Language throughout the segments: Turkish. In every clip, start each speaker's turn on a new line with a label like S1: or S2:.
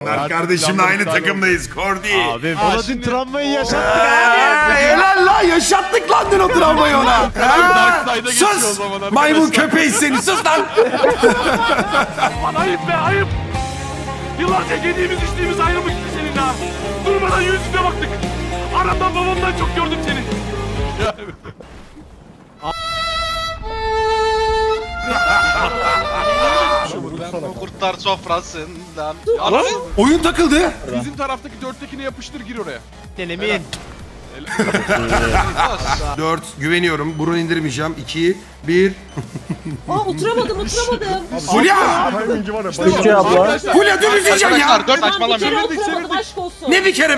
S1: Mert kardeşimle aynı takımdayız. Kordi.
S2: Abi bana dün travmayı yaşattık
S1: Helal lan, yaşattık lan dün o travmayı ona.
S3: Darkside'a geçiyor o
S1: Sus.
S3: zaman arkadaşlar.
S1: Maymun köpeği seni, sus lan.
S4: Ayıp be ayıp. Yıllarca yediğimiz içtiğimiz ayrı mı gitti seninle ha? Durmadan yüzüne baktık. Anamdan babamdan çok gördüm seni.
S5: Kurtlar sofrasından.
S1: Oyun takıldı.
S3: Bizim taraftaki dörttekine yapıştır, gir oraya.
S2: Emin.
S1: 4 güveniyorum. Burun indirmeyeceğim. 2 1
S6: Aa oturamadım.
S1: Fulya!
S7: Türkçe abla.
S3: Arkadaşlar.
S1: Fulya dümdüz yiyeceksin ya.
S5: Arkadaşlar 4
S6: Ben bir
S5: saçmalamıyor.
S6: kere
S3: Çevirdik,
S6: oturamadım
S3: çevirdik.
S6: aşk olsun.
S1: Ne bir kere?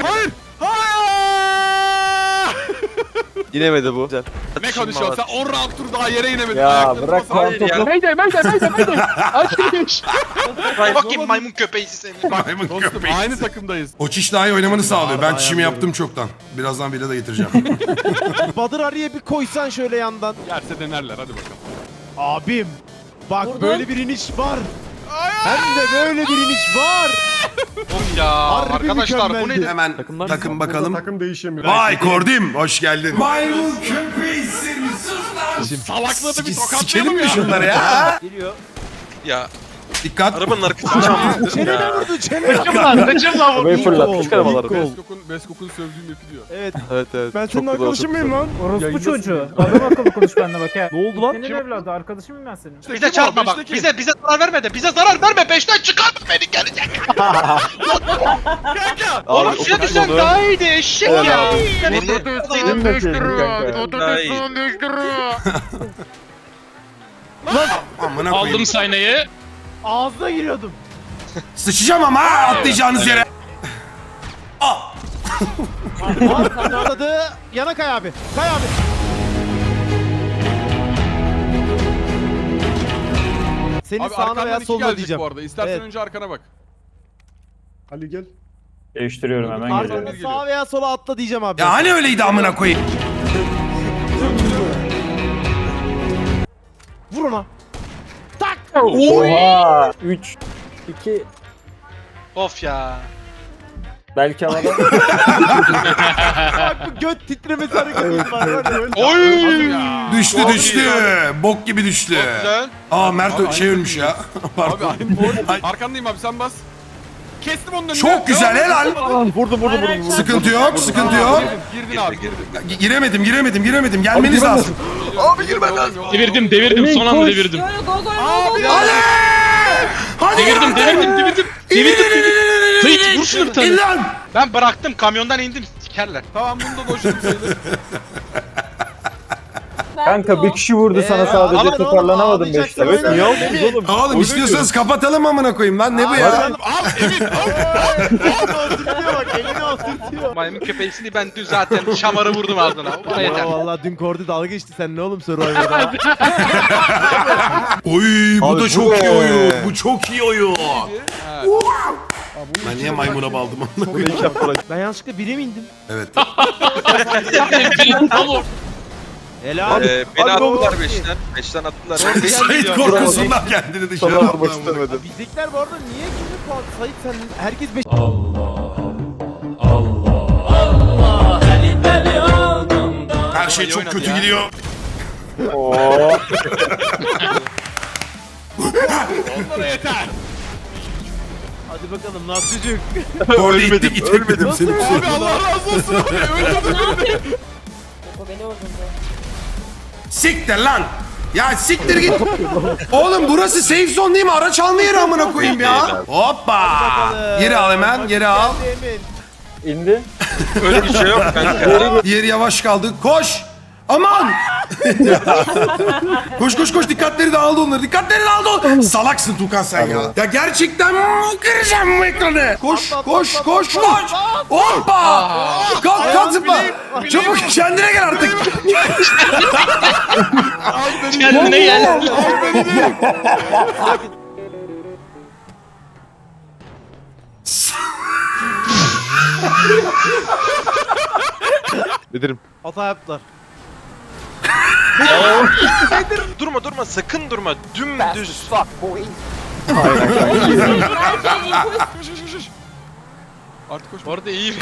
S7: İnemedi bu.
S3: Ne konuşuyorsun sen? 10 round tur daha yere inemedin.
S7: Ya
S3: Ayaklarına
S7: bırak
S3: basar.
S7: lan topu.
S5: Bakayım maymun köpeği seni.
S1: Maymun
S3: Dostum
S1: köpeği.
S3: aynı takımdayız.
S1: O çiş daha iyi oynamanı sağlıyor. Ben çişimi yaptım çoktan. Birazdan bile de getireceğim.
S2: Badır araya bir koysan şöyle yandan.
S3: Yerse denerler, hadi bakalım.
S2: Abim. Bak
S6: Vurdun.
S2: böyle bir iniş var. Hem de böyle bir iniş var.
S5: Oğlum ya
S2: Harbi
S5: arkadaşlar bu
S2: mükemmeldi.
S5: nedir?
S1: Hemen takım bakalım.
S8: Takım değişemiyor.
S1: Vay Kordim, hoş geldin. Maymun köpeği seni, sus lan.
S3: Salakladı bir
S1: Sikelim
S3: tokatlayalım
S1: mi
S3: ya.
S1: şunları ya?
S5: Ya
S1: Dikkat.
S5: arabanın arkasını çalmadın.
S2: Çenene vurdu çenene.
S7: Arabayı fırlat. Küçük arabaları.
S3: Beskok'un sövdüğüm yapı diyor.
S2: Evet.
S7: Evet evet.
S8: Ben senin arkadaşın mıyım lan?
S9: Orospu çocuğu. Adam akıllı konuş benimle bak ha.
S2: Ne oldu lan?
S9: Senin evladı arkadaşım mıyım ben senin?
S5: Bize çarpma bak. Bize zarar verme de. Bize zarar verme. Peşten çıkarma beni gelecek. Oğlum şuna düşsen daha iyiydi eşek ya.
S7: Senin kanka.
S1: Amına koyayım.
S4: sahneye.
S2: Ağzına giriyordum.
S1: Sıçacağım ama ha, atlayacağınız yere.
S2: Atladı. Yana kay abi. Kay abi. Senin
S3: Abi
S2: sağına
S3: arkandan
S2: veya
S3: iki
S2: soluna
S3: gelecek
S2: diyeceğim.
S3: bu arada. İstersen
S2: Evet.
S3: önce arkana bak.
S8: Ali gel.
S7: Değiştiriyorum hemen
S3: Arkadan
S7: geliyorum.
S2: Arkana
S3: bir
S2: sağa
S3: geliyor.
S2: veya sola atla diyeceğim abi.
S1: Ya hani öyleydi amına koyayım.
S2: Vur ona.
S7: Oha. 3 2
S5: Of ya.
S7: belki havada.
S2: Bak bu göt titremesi hareketi var.
S5: Oy.
S1: Düştü
S5: Çok
S1: düştü.
S5: iyi
S1: Bok gibi düştü.
S5: Güzel.
S1: Aa Mert
S3: Abi,
S1: şey
S3: aynı
S1: ölmüş ya.
S3: Abi
S1: Pardon.
S3: aynı boy. Arkandayım abi, sen bas. Kestim onun önüne.
S1: Çok güzel, helal.
S7: Vurdum.
S1: Sıkıntı yok, sıkıntı yok.
S3: Girdin abi, girdin.
S1: Giremedim. Gelmeniz lazım.
S3: Abi girmen lazım.
S4: Devirdim son anda devirdim.
S6: Yo yo go go go go.
S1: Hadi! Hadi!
S4: Devirdim. Sait, vur şunu bir tane.
S1: İn lan!
S5: Ben bıraktım kamyondan indim sikerler.
S3: Tamam, bunu da boşum sayılır.
S7: Kanka bir kişi vurdu sana sadece
S2: Aman oğlum,
S7: toparlanamadın
S2: ağlayacaksın
S7: 5'te. Evet
S2: öyle.
S7: niye oldu oğlum?
S1: Oğlum istiyorsanız kapatalım amına koyayım lan, ne bu ya?
S3: Al Emin, al.
S2: Oturtuyor bak elini oturtuyor.
S5: Maymun köpeğisini ben dün zaten şamarı vurdum ağzına. Bana yeter.
S2: Ya vallahi dün Kordi dalga geçti sen ne oğlum Survivor'da.
S1: Oy bu
S7: Abi,
S1: da
S7: bu
S1: çok iyi
S7: ne?
S1: oyun. Bu çok iyi oyun.
S3: Ha.
S1: Ben niye maymuna baldım amına koyayım?
S2: Ben yanlışlıkla bire mi indim?
S1: Evet.
S2: Helal.
S7: Beni attılar 5'ten. 5'ten attılar.
S1: Sait korkusundan kendini dışarı attı. amına koyayım.
S2: Bizdekiler bu arada niye kimi puan? Sait sen herkes 5.
S1: Her şey çok kötü gidiyor.
S7: Oo.
S3: Onlara yeter.
S2: Hadi bakalım nasıl çocuk?
S1: Orada ittik itekmedim seni.
S3: Abi Allah razı olsun abi. Öldürdün.
S6: Ne yapayım? O beni öldürdü.
S1: Siktir lan. Ya siktir git. Oğlum burası safe zone değil mi? Araç alma yeri amına koyayım ya. Hoppa. Geri al hemen, geri al.
S2: Emin.
S7: İndi.
S5: Öyle bir şey yok kanka.
S1: Diğeri yavaş kaldı. Koş. Aman. koş dikkatleri dağıldı onları. Dikkatleri dağıldı. Salaksın Tukan sen ya. Ya gerçekten kıracağım bu ekranı. Koş. Hoppa. Kalk zıpla. Çabuk kendine gel artık.
S4: Kendine gel.
S7: Ederim.
S2: Hata yaptılar.
S5: Durma sakın durma. Dümdüz.
S6: Her şey imposter.
S3: Artık koş.
S5: Bu arada iyi.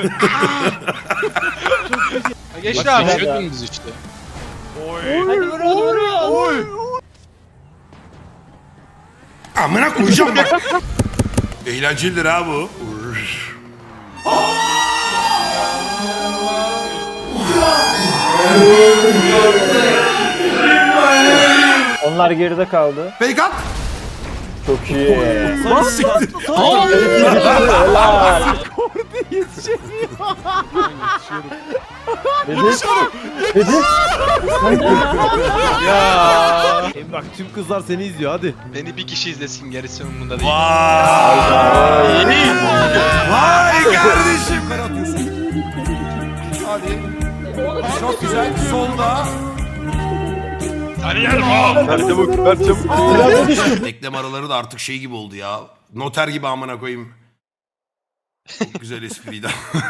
S5: Geçti abi.
S7: Düşüyordun biz işte.
S6: Hadi vuruyor.
S3: Oy.
S1: Amına koyacağım bak. Eğlencelidir ha bu.
S7: Onlar geride kaldı.
S1: Fake at.
S7: Çok iyi.
S1: Siktir.
S7: Helal. Dedi.
S2: Bak tüm kızlar seni izliyor hadi.
S5: Beni bir kişi izlesin, gerisi umurumda değil.
S1: Vay. Vay kardeşim. Hadi. Çok güzel. Solda.
S7: Ver çabuk, ver çabuk.
S1: Eklem araları da artık şey gibi oldu ya. Noter gibi amına koyayım. Çok güzel espriydi.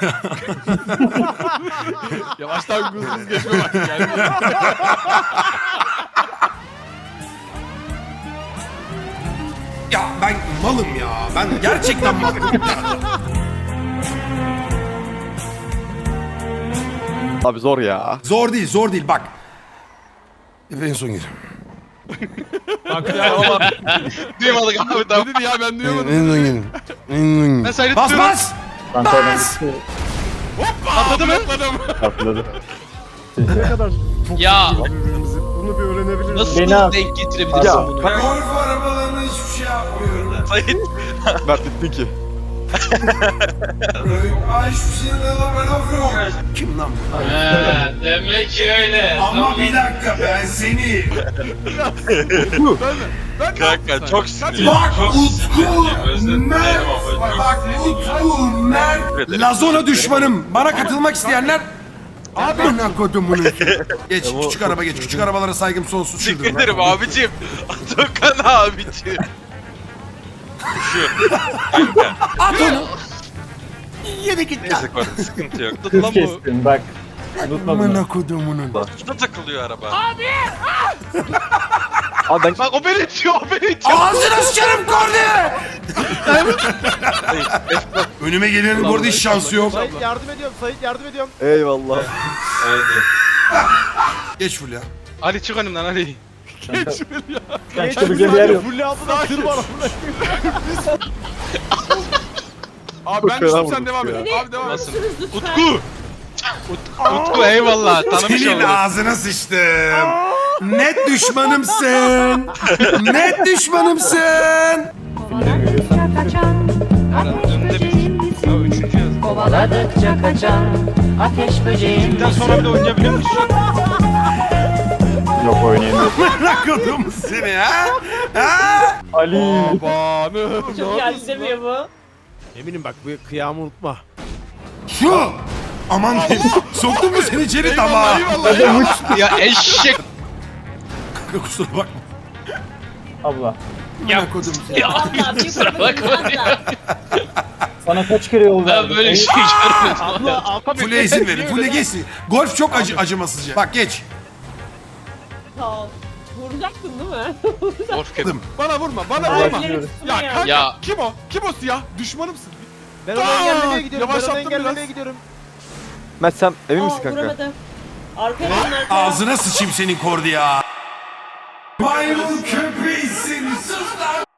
S3: Yavaştan hızlı geçme bak. Yani.
S1: Ya ben malım ya. Ben gerçekten malım ya.
S2: Abi zor ya.
S1: Zor değil, zor değil. Bak. En son gir.
S5: Duymadık abi, tamam.
S3: Ne dedi ya ben duyamadım.
S1: En son gir.
S5: Ben sayıda
S1: Bas
S5: tutuyorum.
S1: bas. Bas.
S5: Atladı mı?
S7: Atladı.
S8: Ne kadar çok
S5: Ya.
S8: birbirimizi. Bunu bir öğrenebiliriz.
S5: Nasıl
S7: Beni al.
S5: denk getirebilirsin
S7: Ya,
S5: bunu?
S1: Golf arabalarına hiçbir şey yapmıyorum.
S2: Mert bittin ki.
S1: Ay hiçbir şey yok. Kim lan bu?
S5: Demek ki öyle.
S1: Ama bir dakika ben seni.
S7: Kanka çok sinirli.
S1: Bak Utku Mert. Bak Utku Mert. Lazona düşmanım. Bana katılmak isteyenler Abi ne kodumunu. Geç küçük araba geç. Küçük arabalara saygım sonsuz.
S7: Teşekkür
S1: Şuradan.
S7: ederim abicim. Atakan abicim. Şu. Kanka.
S1: At onu. Yedi git lan.
S7: Neyse konu sıkıntı yok.
S5: Lan bu.
S7: Kestin bak.
S1: Amına kodumunun.
S7: Şuna takılıyor araba.
S2: Abi ben
S5: Bak o beni itiyor, o beni itiyor.
S1: Ağzına sıçarım korne. Önüme gelenin bu arada hiç şansı yok.
S2: Sait yardım ediyorum. Sait yardım ediyorum. Eyvallah.
S7: Evet.
S1: Geç full ya.
S5: Ali çık önümden Ali.
S7: Geç bir yer yok.
S2: Fulle altına tır var.
S3: Abi ben
S2: Fena
S3: düştüm
S2: vurduk
S3: sen devam et.
S2: ya.
S3: Abi devam et.
S5: Nasıl?
S6: Lütfen.
S5: Utku. Utku eyvallah, tanımış
S1: Senin
S5: olduk.
S1: ağzına sıçtım. Net düşmanımsın. Net düşmanımsın.
S10: Kovaladıkça kaçan ateş
S5: Önünde bir.
S10: böceğim
S5: Ya
S10: misin?
S5: üçüncü yaz.
S10: Kovaladıkça kaçan ateş böceğim
S5: Bizden sonra bile oynayabiliyor musun?
S7: Yok oynayamıyorum.
S1: Merak oldum seni ha. Ha?
S7: Ali.
S3: Babanım.
S6: Çok geldi demiyor bu.
S2: Eminim bak bu kıyamı unutma.
S1: Şu. Aman soktum mu seni içeri tamam.
S3: Eyvallah eyvallah.
S5: Ya eşek.
S1: Kanka kusura bakma.
S7: Abla.
S1: Merak oldum seni.
S6: Valla bir
S5: Kusura bakma ya.
S7: Sana kaç kere yol
S5: Ben böyle bir şey görmedim.
S1: Full'e izin verin. Full'e geçsin. Golf çok acımasızca. Bak geç.
S6: Tamam. Vuracaktın değil mi?
S5: Of kedim.
S3: Bana vurma bana
S6: Ay,
S3: vurma.
S6: bilerek tutma
S3: Ya
S6: ya.
S3: kanka
S5: Ya.
S3: kim o? Kim o siyah? Düşmanımsın.
S2: Ben onu engellemeye gidiyorum. Ben onu
S3: Yavaşlattım
S2: engellemeye
S3: biraz.
S2: gidiyorum. Mert sen emin misin
S6: Aa,
S2: kanka?
S6: vuramadım. Arkaya dön arkaya.
S1: Ağzına sıçayım senin kordi ya. Maymun köpeğisin sus lan.